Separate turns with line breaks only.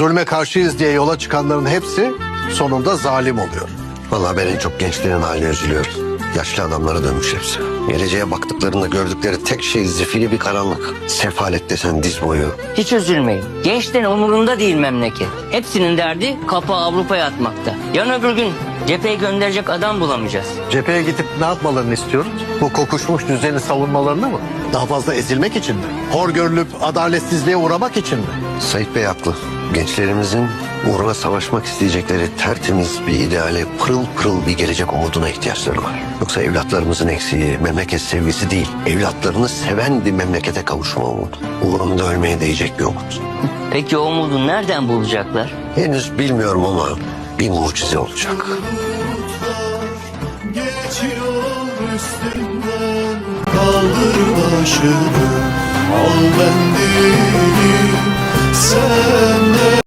Zulme karşıyız diye yola çıkanların hepsi sonunda zalim oluyor.
Vallahi ben en çok gençlerin haline üzülüyorum. Yaşlı adamlara dönmüş hepsi. Geleceğe baktıklarında gördükleri tek şey zifiri bir karanlık. Sefalet desen diz boyu.
Hiç üzülmeyin. Gençlerin umurunda değil memleket. Hepsinin derdi kapağı Avrupa'ya atmakta. Yarın öbür gün cepheye gönderecek adam bulamayacağız.
Cepheye gidip ne yapmalarını istiyoruz? Bu kokuşmuş düzeni savunmalarını mı? Daha fazla ezilmek için mi? Hor görülüp adaletsizliğe uğramak için mi?
Sait Bey haklı. Gençlerimizin uğruna savaşmak isteyecekleri tertemiz bir ideale, pırıl pırıl bir gelecek umuduna ihtiyaçları var. Yoksa evlatlarımızın eksiği memleket sevgisi değil, evlatlarını seven bir memlekete kavuşma umudu. Uğrunda ölmeye değecek bir umut.
Peki o umudu nereden bulacaklar?
Henüz bilmiyorum ama bir mucize olacak.
Geçiyor üstünden, kaldır başını, al ben değilim, sen de